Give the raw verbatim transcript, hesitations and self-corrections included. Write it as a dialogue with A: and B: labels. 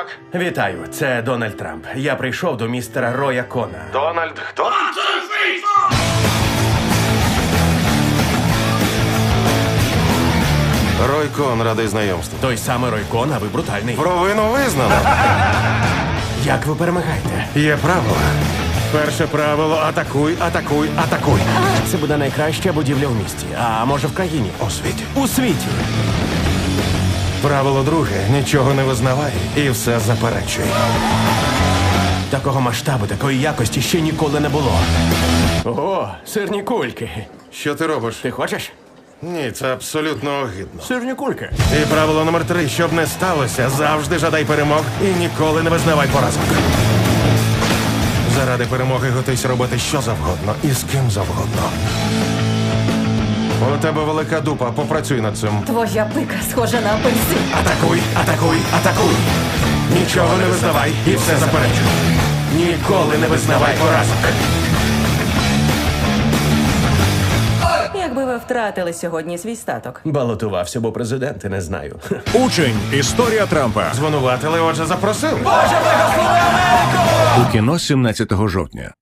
A: Так.
B: Вітаю, це Дональд Трамп. Я прийшов до містера Роя Кона.
A: Дональд хто? Рой Кон, радий знайомству.
B: Той самий Рой Кон, а ви брутальний.
A: Провину визнано.
B: Як ви перемагаєте?
A: Є правила. Перше правило – атакуй, атакуй, атакуй.
B: Це буде найкраща будівля в місті. А може в країні?
A: У світі.
B: У світі.
A: Правило друге – нічого не визнавай і все заперечуй.
B: Такого масштабу, такої якості ще ніколи не було. О, сирні кульки.
A: Що ти робиш?
B: Ти хочеш?
A: Ні, це абсолютно огидно.
B: Сирні кульки.
A: І правило номер три – щоб не сталося, завжди жадай перемог і ніколи не визнавай поразок. Заради перемоги готуйся робити що завгодно і з ким завгодно. У тебе велика дупа, попрацюй над цим.
C: Твоя пика схожа на апельсин.
A: Атакуй, атакуй, атакуй! Нічого не визнавай і все заперечуй. Ніколи не визнавай поразок.
C: Якби ви втратили сьогодні свій статок.
B: Балотувався, бо президенти не знаю.
D: Учень. Історія Трампа.
A: Звинуватили, отже, запросили.
D: У кіно сімнадцятого жовтня.